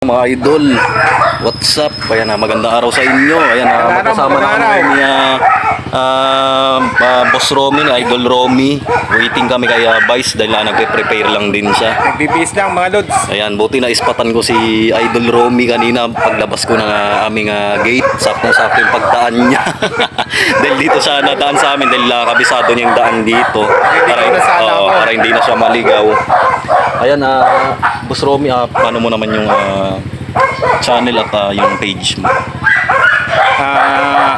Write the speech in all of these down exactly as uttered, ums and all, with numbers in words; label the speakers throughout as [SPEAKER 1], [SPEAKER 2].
[SPEAKER 1] Mga idol, what's up? Ayan na, magandang araw sa inyo. Ayan na, magkasama na kami ni uh, uh, uh, Boss Romy, ni Idol Romy. Waiting kami kay uh, Vice dahil uh, nagpe-prepare lang din siya.
[SPEAKER 2] Nagbibis lang mga lods.
[SPEAKER 1] Ayan, buti na ispatan ko si Idol Romy kanina paglabas ko ng uh, aming uh, gate. Saktong-sakto yung pagdaan niya. Dahil dito siya nadaan sa amin dahil uh, kabisado niya yung daan dito. Para, uh, para hindi na siya maligaw. Ayan, uh, Boss Romy, uh, paano mo naman yung uh, channel at uh, yung page mo?
[SPEAKER 2] Uh,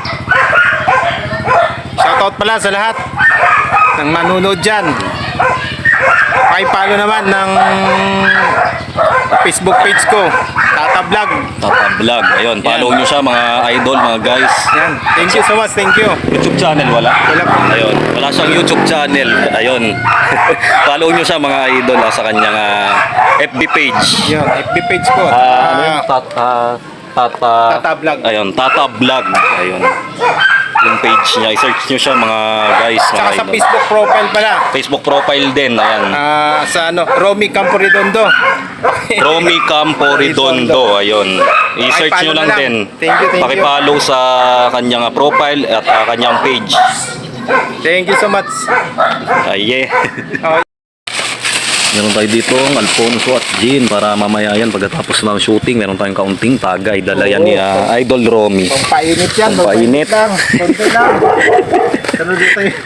[SPEAKER 2] shoutout pala sa lahat ng manunod dyan. Pakipalo naman ng Facebook page ko, Tata Vlog.
[SPEAKER 1] Tata Vlog. Ayun, follow nyo siya mga idol, mga guys.
[SPEAKER 2] Yan. Thank you so much, thank you.
[SPEAKER 1] YouTube channel wala?
[SPEAKER 2] Wala po.
[SPEAKER 1] Ayun, wala siyang YouTube channel. Ayun. Follow nyo siya mga idol uh, sa kanyang uh, F B page.
[SPEAKER 2] Yan, F B page ko.
[SPEAKER 1] Uh, ano yun?
[SPEAKER 2] Uh,
[SPEAKER 1] Tata, Tata,
[SPEAKER 2] Tata Vlog.
[SPEAKER 1] Ayun, Tata Vlog. Ayun. Yung page niya, i-search nyo siya mga guys, mga
[SPEAKER 2] Tsaka sa
[SPEAKER 1] idol.
[SPEAKER 2] Facebook profile pala.
[SPEAKER 1] Facebook profile din, ayan.
[SPEAKER 2] Uh, sa ano, Romy Campo Redondo.
[SPEAKER 1] Romy Campo Redondo, ayun. I-search nyo lang,
[SPEAKER 2] lang
[SPEAKER 1] din.
[SPEAKER 2] Thank you, thank
[SPEAKER 1] Pakipollow sa kanyang profile at uh, kanyang page.
[SPEAKER 2] Thank you so much.
[SPEAKER 1] Ay, yeah.
[SPEAKER 2] Oh.
[SPEAKER 1] Meron tayo dito ang Alfonso at Jean para mamaya yan pagkatapos ng shooting. Meron tayong kaunting tagay. Dala yan ni uh, Idol Romy.
[SPEAKER 2] Pampainit yan.
[SPEAKER 1] Pampainit.
[SPEAKER 2] lang. Konti lang. Ano dito yun?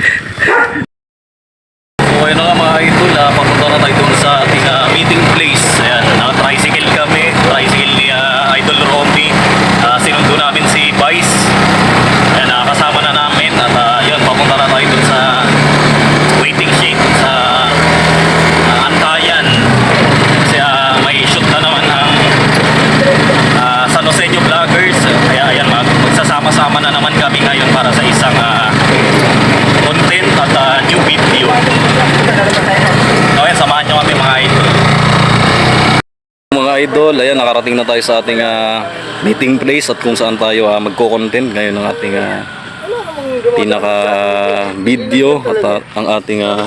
[SPEAKER 1] So ayun na nga mga idol, uh, papunta na tayo dun sa ating uh, meeting place. Ayan, naka-tricycle kami. Tricycle ni uh, Idol Romy. Uh, sinundo namin si Vice. Ayan, nakakasama na namin. At uh, yun, papunta na tayo dun sa waiting shed sa uh, Antayan. Kasi uh, may shoot na naman ang uh, San Joseño Vloggers. Kaya ayan, mag magsasama-sama na naman kami ngayon para sa isang uh, content at uh, new video. Okay, samahan nyo kami mga idol. Mga idol, ayan, nakarating na tayo sa ating uh, meeting place at kung saan tayo uh, magko-content ngayon ng ating uh, pinaka video at uh, ang ating uh,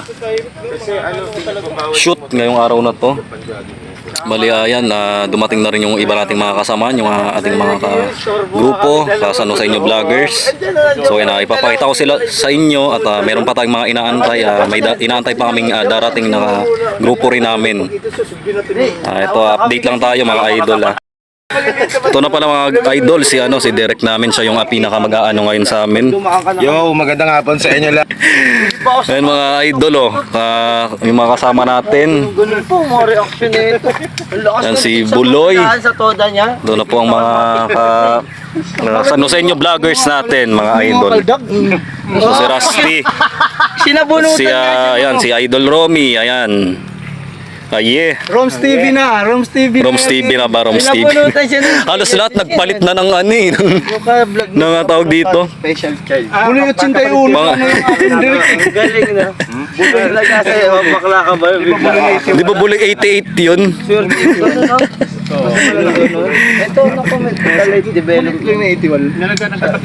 [SPEAKER 1] shoot ngayong araw na to. Bali ayan, uh, dumating na rin yung iba nating mga kasama, yung uh, ating mga grupo sa San Joseño Vloggers. So ayan, uh, ipapakita ko sila sa inyo at uh, meron pa tayong mga inaantay, uh, may inaantay pa kaming uh, darating na uh, grupo rin namin. Uh, ito, update lang tayo mga idol. Uh. Ito na pala mga idol, si ano si Derek namin, siya yung uh, pinaka mag-aano ngayon sa amin.
[SPEAKER 2] Yo, magandang hapon sa inyo lang.
[SPEAKER 1] Ayan mga idol, oh, uh, yung mga kasama natin.
[SPEAKER 3] Ganun po, mga reaction nito.
[SPEAKER 1] Yan si Buloy.
[SPEAKER 3] Sa toda niya.
[SPEAKER 1] Doon na po ang mga uh, uh, San Joseño Vloggers natin, mga idol. So, si Rusty,
[SPEAKER 3] Sinabunutan
[SPEAKER 1] si, uh, ayan, si Idol Romy, ayan. Ay, yeah.
[SPEAKER 3] Roms T V na, Roms T V na.
[SPEAKER 1] Roms T V na ba? Roms T V.
[SPEAKER 3] Sinabunutan siya ng
[SPEAKER 1] Halos lahat nagpalit na ng ano eh. ng- ng uh, tawag dito.
[SPEAKER 3] special child.
[SPEAKER 2] Buloy eighty-one.
[SPEAKER 1] Mga,
[SPEAKER 3] Galing na. Buloy na kasi, bakla ka ba?
[SPEAKER 1] di ba bulig eighty-eight yun?
[SPEAKER 3] Sure, ganun no? Ito, na-comment. College development.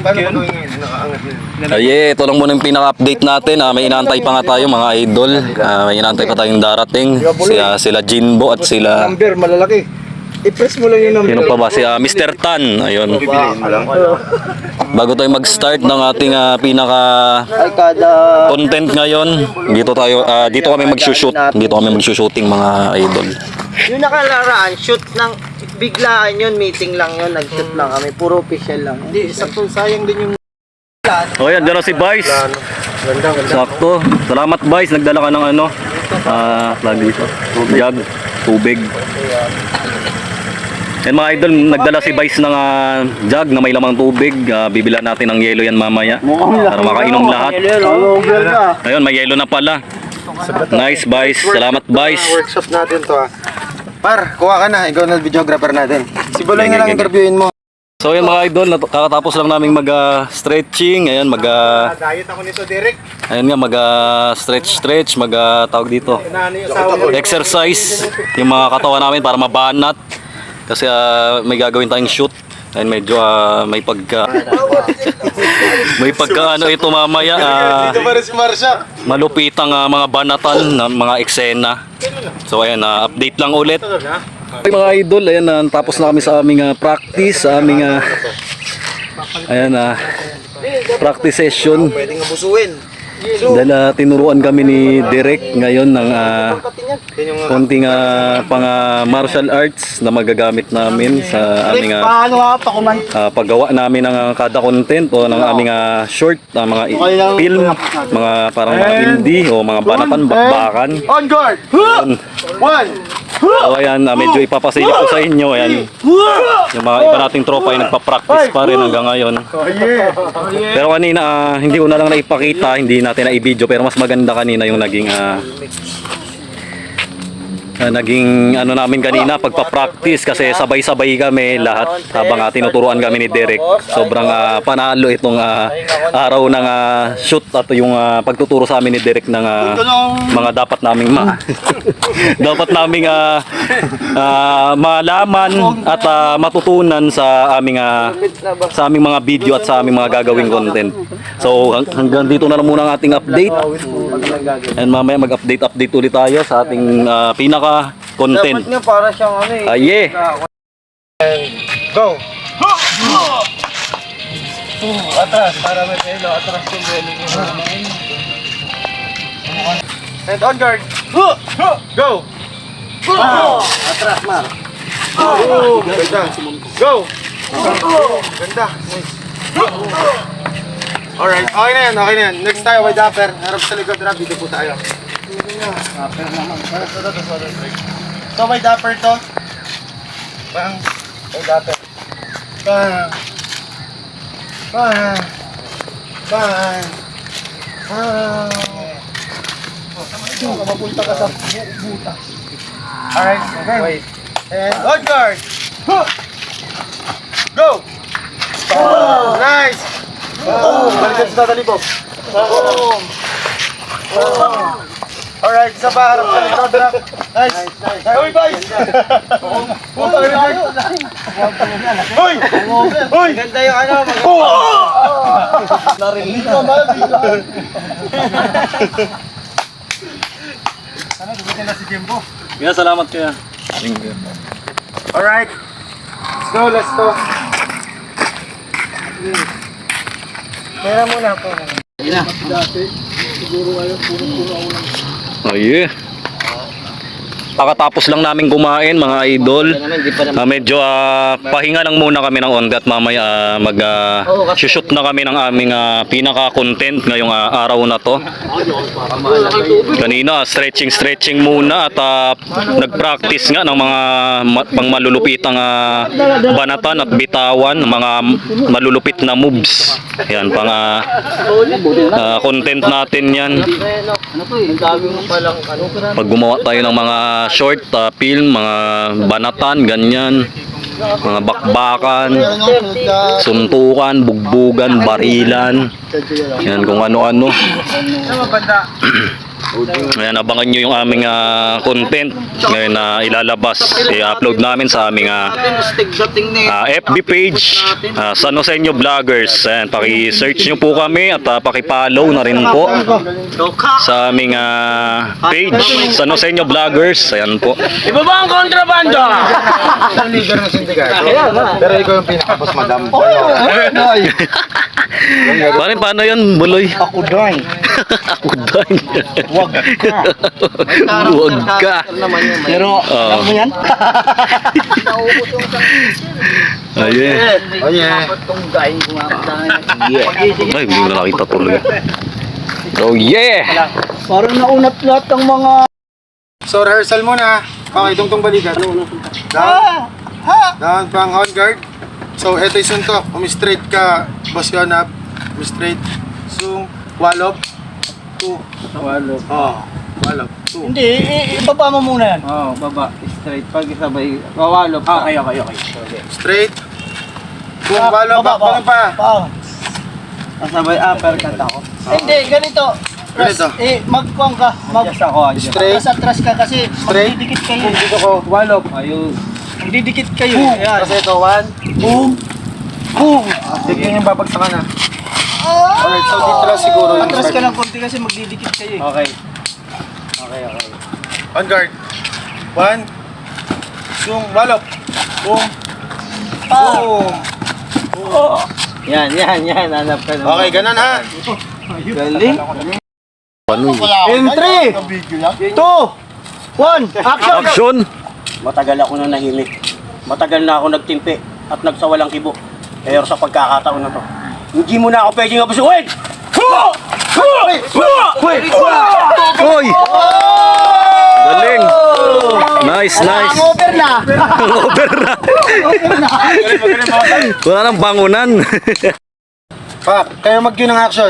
[SPEAKER 1] Ay, yeah, ito lang muna yung pinaka-update natin. Ah, may inaantay pa nga tayo mga idol. Ah, may inaantay pa tayong darating. Si, ah, sila Jinbo at sila...
[SPEAKER 2] Number, malalaki. I-press mo lang yung number.
[SPEAKER 1] Sino pa ba? Si uh, Mister Tan. Ayun. Bago tayo mag-start ng ating uh, pinaka
[SPEAKER 3] Ay, kada...
[SPEAKER 1] content ngayon, dito tayo uh, dito kami mag-shoot. Dito kami mag-shooting mga idol.
[SPEAKER 3] Yung nakalaraan, shoot ng biglaan yun, meeting lang yun, nag-shoot lang kami, puro official lang.
[SPEAKER 2] Hindi, sakto sayang din yung...
[SPEAKER 1] O yan, dyan na si Vice. Sakto. Salamat Vice, nagdala ka ng ano, ah, uh, dito. Jug, tubig. Yan mga idol, nagdala si Vice ng uh, jug na may lamang tubig. Uh, bibilan natin ng yelo yan mamaya para makainom lahat. Ayun, may yelo na pala. Nice Vice, salamat Vice.
[SPEAKER 2] Workshop natin to ah. Par, kuha ka na. Ikaw na videographer natin. Si Buloy na lang interviewin mo.
[SPEAKER 1] So yan mga idol, kakatapos lang naming mag-stretching. Ayan, mag... Uh,
[SPEAKER 2] Diet ako nito, Derek.
[SPEAKER 1] Ayan nga, mag-stretch-stretch, mag-tawag dito. Exercise yung mga katawan namin para mabanat. Kasi uh, may gagawin tayong shoot. Ayun, medyo uh, may pagka may pagka ano ito mamaya uh, malupitang uh, mga banatan ng mga eksena. So ayan, uh, update lang ulit. Okay, mga idol, ayan na, tapos na kami sa aming ah, practice, sa aming ah, ayan na, practice session.
[SPEAKER 2] Pwedeng abusuin.
[SPEAKER 1] Dahil ah, tinuruan kami ni Derek ngayon ng ah, konting ah, pang ah, martial arts na magagamit namin sa aming ah,
[SPEAKER 3] Paano nga pa kuman?
[SPEAKER 1] ah, paggawa namin ng ah, kada content o ng aming ah, short, ah, mga i- film, mga parang mga indie o mga banatan, bakbakan.
[SPEAKER 2] On guard! One!
[SPEAKER 1] So ayan, ah, medyo ipapasilip ko sa inyo, ayan. Yung mga iba nating tropa ay nagpa-practice pa rin hanggang ngayon. Pero kanina, ah, hindi ko na lang naipakita, hindi natin na i-video, pero mas maganda kanina yung naging ah, ah, naging ano namin kanina pagpa-practice kasi sabay-sabay kami lahat habang ah, tinuturuan kami ni Derek. Sobrang ah, panalo itong ah, araw ng ah, shoot at yung ah, pagtuturo sa amin ni Derek ng ah, mga dapat naming ma dapat naming ah, ah, malaman at ah, matutunan sa aming ah, sa aming mga video at sa aming mga gagawing content. So hang- hanggang dito na lang muna ang ating update. And mamaya mag-update update ulit tayo sa ating ah, pinaka content.
[SPEAKER 3] Dapat nga para siyang ano eh.
[SPEAKER 1] Ah, yeah.
[SPEAKER 2] Go!
[SPEAKER 3] Atras, para may pelo. Atras yung pelo niya.
[SPEAKER 2] And on guard! Go!
[SPEAKER 3] Atras, Mar.
[SPEAKER 2] Oh, ganda. Go! Ganda. Alright, okay na yan, okay na yan. Next tayo, wide upper. Harap sa likod, rap. Dito po tayo. So, wide upper to. Bang. Wide upper. Bang. Bang. Bang. Bang. Mapunta ka sa butas. Alright, okay. And on guard. Go! Oh, nice! Oh, balikan sa tatali po. Oh. Oh. Alright, isa pa harap sa likod, harap. Nice. Nice. Uy, guys! Uy! Uy!
[SPEAKER 3] Ganda yung ano. mag-
[SPEAKER 2] Oh! Narinig ko, narinig ko. Sana, dumitin na si Jimbo.
[SPEAKER 1] Yeah, salamat kaya.
[SPEAKER 2] Alright. Let's go, let's go.
[SPEAKER 3] Pera muna po.
[SPEAKER 1] Oh yeah. Pagkatapos lang namin kumain mga idol, ah, medyo ah, pahinga lang muna kami ng ongat mamaya ah, mag ah, shoot na kami ng aming ah, pinaka-content ngayong ah, araw na to. Kanina stretching stretching muna at ah, nag-practice nga ng mga ma- pang malulupitang ah, banatan at bitawan, mga malulupit na moves. Yan pang ah, ah, content natin yan.
[SPEAKER 3] Ano to eh? Ang dami mo palang ano.
[SPEAKER 1] Pag gumawa tayo ng mga short uh, film, mga banatan, ganyan, mga bakbakan, suntukan, bugbugan, barilan, yan kung ano-ano. Ayan, abangan nyo yung aming ah, content ngayon na ilalabas, i-upload namin sa aming ah, ah, F B page, uh, San Joseño Vloggers. Ayan, paki-search nyo po kami at uh, paki-follow na rin po sa aming ah, page, San Joseño Vloggers. Ayan po.
[SPEAKER 3] Ibaba ang kontrabando!
[SPEAKER 2] Ang leader ng sindikato. Pero ikaw yung pinaka-boss, madam.
[SPEAKER 1] Paano, paano yun, Buloy?
[SPEAKER 2] Ako doon.
[SPEAKER 1] Ako doon.
[SPEAKER 2] Wag ka.
[SPEAKER 1] Huwag ka.
[SPEAKER 2] Pero,
[SPEAKER 1] Oo.
[SPEAKER 2] alam mo yan?
[SPEAKER 1] Ayun.
[SPEAKER 2] Oh yeah.
[SPEAKER 1] Ay, hindi ko na nakita tuloy. Oh yeah!
[SPEAKER 3] Parang naunat lahat ng mga...
[SPEAKER 2] So, rehearsal muna. Okay, tungtong balikat. Down. Down, pang on guard. So, eto yung suntok. Umi-straight ka, boss Yonab. Umi-straight. So, walop. Two.
[SPEAKER 3] Walop.
[SPEAKER 2] Oh, walop. Two.
[SPEAKER 3] Hindi, i- ibaba mo muna yan.
[SPEAKER 4] Oo, oh, baba. Straight. Pag isabay, wawalop ka.
[SPEAKER 3] Okay, okay, okay.
[SPEAKER 2] Straight. Kung walop,
[SPEAKER 3] Baba,
[SPEAKER 2] bakbakan pa.
[SPEAKER 3] Pa.
[SPEAKER 4] Kasabay uppercut ako.
[SPEAKER 3] Hindi, ganito.
[SPEAKER 2] Ganito.
[SPEAKER 3] Eh, magkuang ka. Mag
[SPEAKER 4] Adjust ako, adjust.
[SPEAKER 2] Straight.
[SPEAKER 3] Mas atras ka kasi
[SPEAKER 2] Straight.
[SPEAKER 3] magdidikit kayo.
[SPEAKER 2] Kung dito ko.
[SPEAKER 4] Walop. Ayun.
[SPEAKER 3] Magdidikit kayo.
[SPEAKER 2] Boom.
[SPEAKER 3] Ayan.
[SPEAKER 2] Kasi ito, one. Boom. Boom. Sige yung babagsakan na. Alright, so dito lang siguro yung
[SPEAKER 3] Atras ka
[SPEAKER 2] start.
[SPEAKER 3] ng konti kasi magdidikit kayo.
[SPEAKER 4] Okay. Okay, okay.
[SPEAKER 2] On guard. One. Boom, balok. Boom. Boom.
[SPEAKER 3] Yan, yan, yan. Hanap ka naman.
[SPEAKER 2] Okay, ganun ha.
[SPEAKER 3] Galing.
[SPEAKER 2] In three, two, one, action!
[SPEAKER 1] Action!
[SPEAKER 5] Matagal ako na nahimik. Matagal na ako nagtimpi at nagsawalang kibo. Pero sa pagkakataon na to, hindi mo na ako pwedeng abusuin!
[SPEAKER 1] Hoy! Galing! Nice, nice!
[SPEAKER 3] Over na.
[SPEAKER 1] Over na! Wala nang bangunan.
[SPEAKER 2] Pak, kayo mag-cue ng action.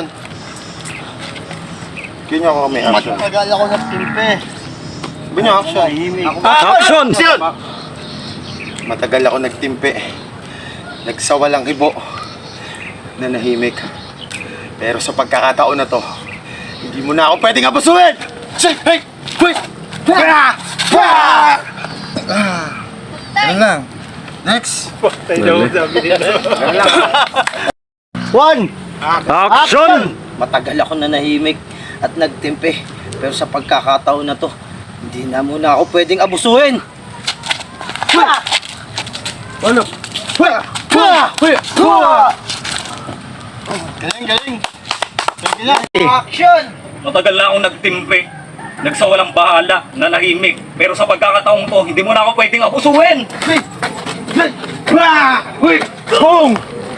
[SPEAKER 2] Cue nyo ako may action.
[SPEAKER 3] Matagal ako nagtimpe.
[SPEAKER 2] Sabi nyo action.
[SPEAKER 1] Action!
[SPEAKER 2] Matagal ako nagtimpi. Nagsawalang ibo. Nanahimik. Pero sa pagkakataon na to, hindi mo na ako pwedeng abusuin! Say, hey, wait! Bah! Bah! Ah, Ganun lang. Next.
[SPEAKER 3] One.
[SPEAKER 1] Action!
[SPEAKER 5] Matagal ako na nahimik at nagtimpi. Pero sa pagkakataon na to, hindi na muna ako pwedeng abusuin!
[SPEAKER 2] Ano? Bah! Bah! Bah! Galing, galing. Galing.
[SPEAKER 3] Action.
[SPEAKER 1] Matagal na akong nagtimpe. Nagsawalang bahala, nanahimik. Pero sa pagkakataong to, hindi mo na ako pwedeng abusuin!
[SPEAKER 2] Bah! Wait! Boom!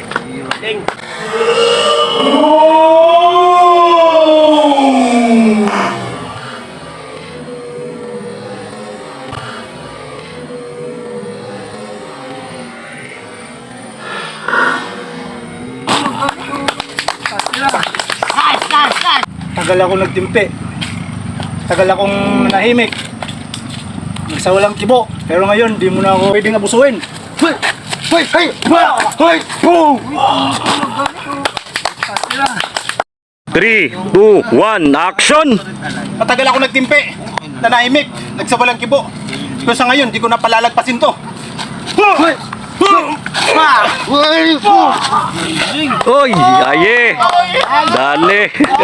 [SPEAKER 6] Tagal ako nagtimpi. Tagal akong nanahimik. Nagsawalang kibo. Pero ngayon, di mo na ako pwedeng abusuin.
[SPEAKER 2] Wait! Wait! Hey! Bah! Wait! Boom!
[SPEAKER 1] three, two, one, action!
[SPEAKER 6] Matagal ako nagtimpi. Nanahimik. Nagsawalang kibo. Pero sa ngayon, di ko na palalagpasin to.
[SPEAKER 2] Wait! Bah! Wait! Boom!
[SPEAKER 1] Oy, aye! Dali!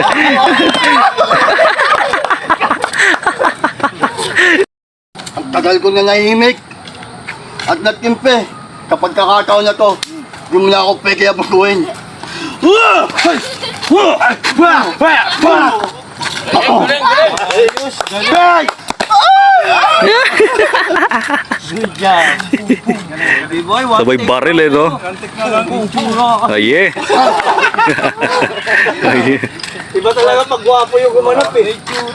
[SPEAKER 7] Ang tagal ko na nahimik at nagtimpe. Kapag kakataon na to, di mo na ako pwede abusuin.
[SPEAKER 2] Hey!
[SPEAKER 1] Sabay baril eh, no? Aye! Aye!
[SPEAKER 3] Iba talaga pag gwapo yung gumanap eh.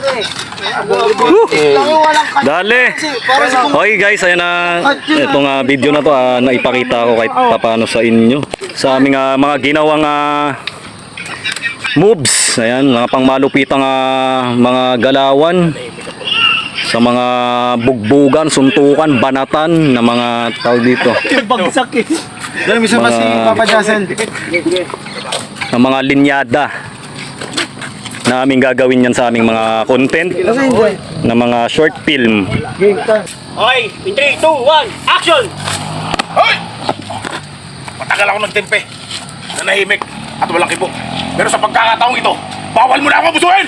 [SPEAKER 1] Dali! Okay guys, ayan na itong ah, video na to, ah, naipakita ko kahit paano sa inyo sa aming ah, mga ginawang ah, moves. Ayan, mga pangmalupitang ah, mga galawan sa mga bugbugan, suntukan, banatan na mga tawag dito.
[SPEAKER 3] Bagsak eh.
[SPEAKER 2] Dali, misa pa si
[SPEAKER 1] Mga-
[SPEAKER 2] Papa Jason.
[SPEAKER 1] Na mga linyada na aming gagawin yan sa aming mga content na mga short film.
[SPEAKER 5] Okay, in three, two, one, action!
[SPEAKER 8] Hoy! Matagal ako nagtimpe, nanahimik at walang kibo. Pero sa pagkakataong ito, bawal mo na ako abusuin!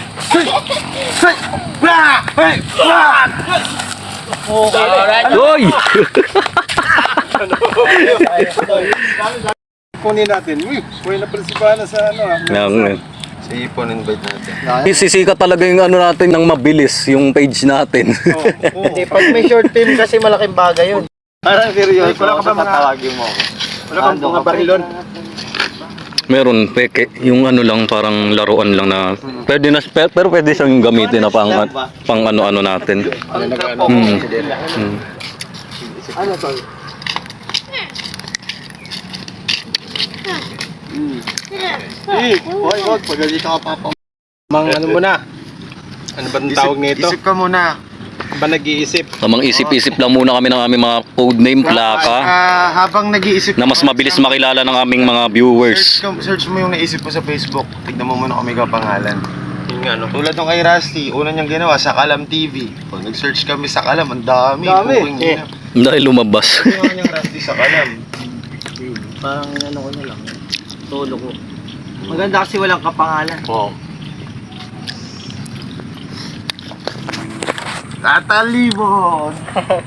[SPEAKER 2] Bah! Hey! Bah!
[SPEAKER 1] Hoy!
[SPEAKER 2] Kunin natin. Uy, kunin na prinsipana sa ano ah.
[SPEAKER 1] Yan,
[SPEAKER 2] Sa ipon, invite natin.
[SPEAKER 1] Sisikat talaga yung ano natin ng mabilis, yung page natin.
[SPEAKER 3] Hindi, pag may short film kasi malaking bagay yun.
[SPEAKER 2] Parang seryoso. Wala ka ba mga... Tatawagin mo ako. Wala ka mga barilon.
[SPEAKER 1] Meron, peke, yung ano lang, parang laruan lang na, pwede na, pe- pero pwede siyang gamitin na pang, pang ano-ano natin. Hmm. Hmm.
[SPEAKER 7] Eh, hoy, wag, pagalita ka papa.
[SPEAKER 6] Mang ano mo na? Ano ba ang tawag nito?
[SPEAKER 2] Isip ka muna.
[SPEAKER 6] Ba nag-iisip?
[SPEAKER 1] Tamang isip-isip lang muna kami ng aming mga codename, plaka,
[SPEAKER 2] Ah, habang nag-iisip
[SPEAKER 1] na mas mabilis makilala ng aming mga viewers.
[SPEAKER 2] Search, ka- search mo yung naisip mo sa Facebook. Tignan mo muna kung may kapangalan.
[SPEAKER 6] Yun nga no.
[SPEAKER 2] Tulad nung kay Rusty, una niyang ginawa, Sakalam T V. Pag nag-search kami sa Kalam, ang dami.
[SPEAKER 3] Dami.
[SPEAKER 2] Buking ina.
[SPEAKER 1] Dahil lumabas.
[SPEAKER 2] Ginawa niyang Rusty sa Kalam.
[SPEAKER 3] Parang ano ko na lang. Solo ko. Maganda kasi walang kapangalan.
[SPEAKER 2] Oo. Tatalibon!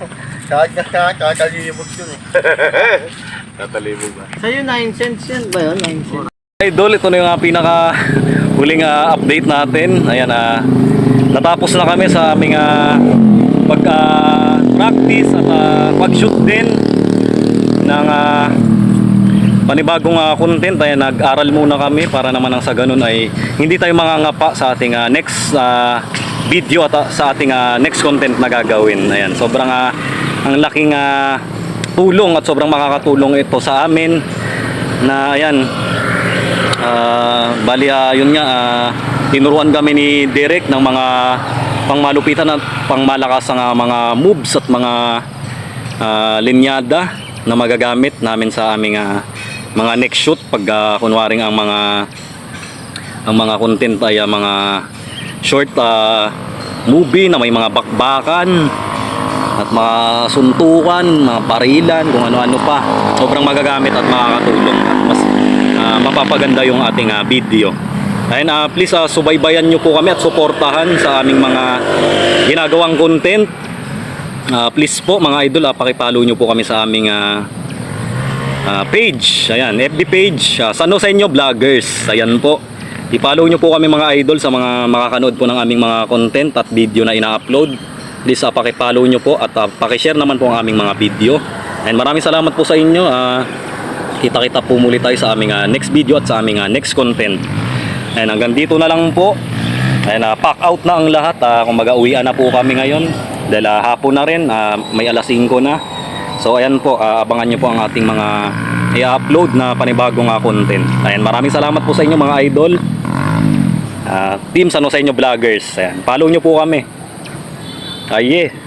[SPEAKER 7] Kakalimot yun eh.
[SPEAKER 8] Tatalibog ba?
[SPEAKER 3] Sa'yo nine cents yan ba yun? nine cents.
[SPEAKER 1] Idol, ito na yung uh, pinaka huling uh, update natin. Ayan, uh, natapos na kami sa aming uh, pag uh, practice at uh, pag-shoot din ng uh, panibagong uh, content. Ayan, nag-aral muna kami para naman ang sa ganun ay hindi tayo mangangapa sa ating uh, next uh, video at uh, sa ating uh, next content na gagawin. Ayan, sobrang uh, ang laking uh, tulong at sobrang makakatulong ito sa amin na ayan. Uh, bali uh, yun nga uh, tinuruan kami ni Derek ng mga pangmalupitan at pangmalakas ng uh, mga moves at mga uh, linyada na magagamit namin sa aming uh, mga next shoot pag uh, kunwaring ang mga ang mga content ay uh, mga short uh, movie na may mga bakbakan at mga suntukan, mga barilan, kung ano-ano pa. Sobrang magagamit at makakatulong at mas uh, mapapaganda yung ating uh, video. Ayun, uh, please uh, subaybayan nyo po kami at suportahan sa aming mga ginagawang content. Uh, please po mga idol, uh, pakipalo nyo po kami sa aming uh, uh, page. Ayan, F B page, uh, San Joseño Vloggers. Ayan po. I-follow nyo po kami mga idol sa mga makakanood po ng aming mga content at video na ina-upload. Please uh, pakipollow nyo po at uh, pakishare naman po ang aming mga video. And maraming salamat po sa inyo. Uh, kita-kita po muli tayo sa aming uh, next video at sa aming uh, next content. And hanggang dito na lang po. And uh, pack out na ang lahat. Uh, kumbaga uwian na po kami ngayon. Dahil uh, hapon na rin. Uh, may alas singko na. So ayan po. Uh, abangan nyo po ang ating mga i-upload na panibagong uh, content. Ayan, maraming salamat po sa inyo mga idol. Uh, Team San Joseño Vloggers. Ayan, follow nyo po kami. Aye.